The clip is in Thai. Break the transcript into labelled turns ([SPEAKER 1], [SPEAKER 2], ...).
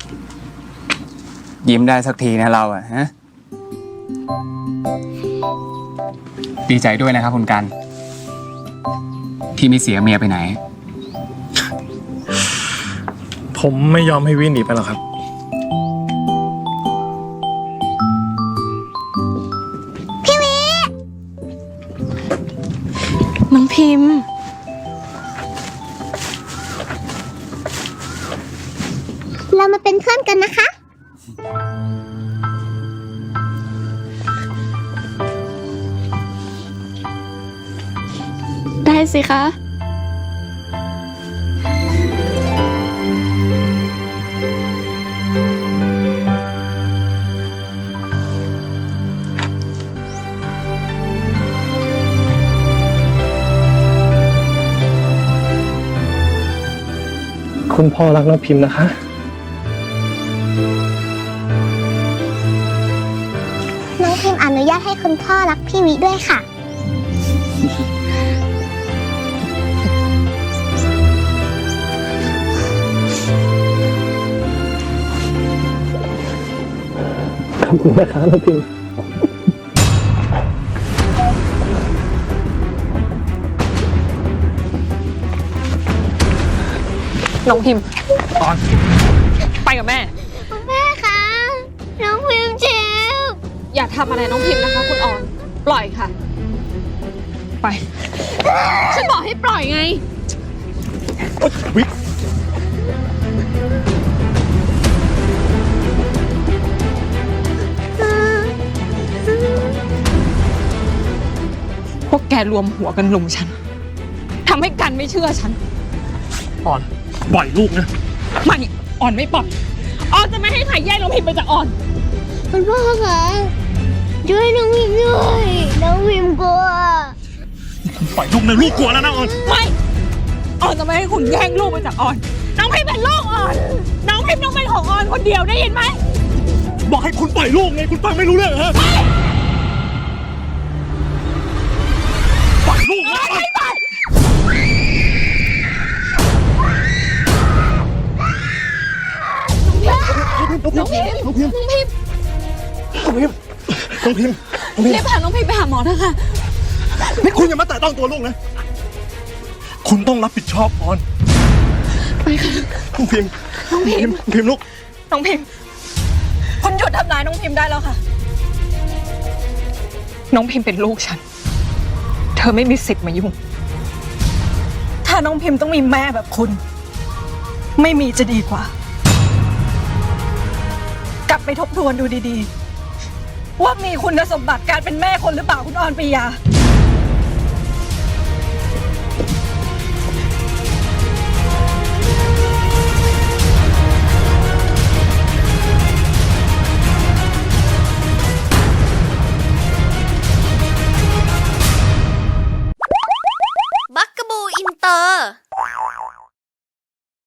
[SPEAKER 1] ยิ้มได้สักทีนะเราอะฮะดีใจด้วยนะครับคุณกันที่ไม่เสียเมียไปไหน
[SPEAKER 2] ผมไม่ยอมให้วินหนีไปหรอกครับ
[SPEAKER 3] น้องพิมพ์
[SPEAKER 4] เรามาเป็นเพื่อนกันนะคะ
[SPEAKER 3] ได้สิคะ
[SPEAKER 2] คุณพ่อรักน้องพิมพ์นะคะ
[SPEAKER 4] น้องพิมพ์อนุญาตให้คุณพ่อรักพี่วิด้วยค่ะ
[SPEAKER 2] ขอบคุณนะคะน้องพิมพ์
[SPEAKER 3] น้องพิมพ์
[SPEAKER 2] ออน
[SPEAKER 3] ไปกับแม่
[SPEAKER 4] แม่คะน้องพิมพ์เจ็บ
[SPEAKER 3] อย่าทำอะไรน้องพิมพ์นะคะคุณออนปล่อยค่ะไปฉันบอกให้ปล่อยไง
[SPEAKER 2] วิ
[SPEAKER 3] พวกแกรวมหัวกันลุมฉันทำให้กันไม่เชื่อฉัน
[SPEAKER 2] ออนปล่อยลูกนะ
[SPEAKER 3] ไม่อ่อนไม่ปล่อยออนจะไม่ให้ใครแย่งน้องพิมพ์ไปจากอ่อน
[SPEAKER 4] คุณพ่อคะช่วยน้องพิมพ์ด้วยน้องพิมพ์กลัว
[SPEAKER 2] ปล่อยลูกนะลูกกลัวแล้วนะออน
[SPEAKER 3] ไม่อ่อนจะไม่ให้คุณแย่งลูกไปจากอ่อนน้องพิมพ์เป็นลูกอ่อนน้องพิมพ์ต้องเป็นของอ่อนคนเดียวได้ยินไหม
[SPEAKER 2] บอกให้คุณปล่อยลูกไงคุณฟังไม่รู้เรื่องเหรอปล่อยลูกนะ
[SPEAKER 3] ไม่ปล่อยน้องพิมพ์น้องพิมพ์น้องพิมพ์
[SPEAKER 2] น้องพิมพ์น้องพิมพ์
[SPEAKER 3] เรียกพาน้องพิมพ์ไปหาหมอเถอะค่ะ
[SPEAKER 2] นี่คุณอย่ามาแตะต้องตัวลูกนะคุณต้องรับผิดชอบออน
[SPEAKER 3] ไปค่ะ
[SPEAKER 2] น้องพิมพ์น้องพิมพ์ลูก
[SPEAKER 3] น้องพิมพ์คุณหยุดทำร้ายน้องพิมพ์ได้แล้วค่ะน้องพิมพ์เป็นลูกฉันเธอไม่มีสิทธิ์มายุ่งถ้าน้องพิมพ์ต้องมีแม่แบบคุณไม่มีจะดีกว่ากลับไปทบทวนดูดีๆว่ามีคุณสมบัติการเป็นแม่คนหรือเปล่าคุณออนปรียา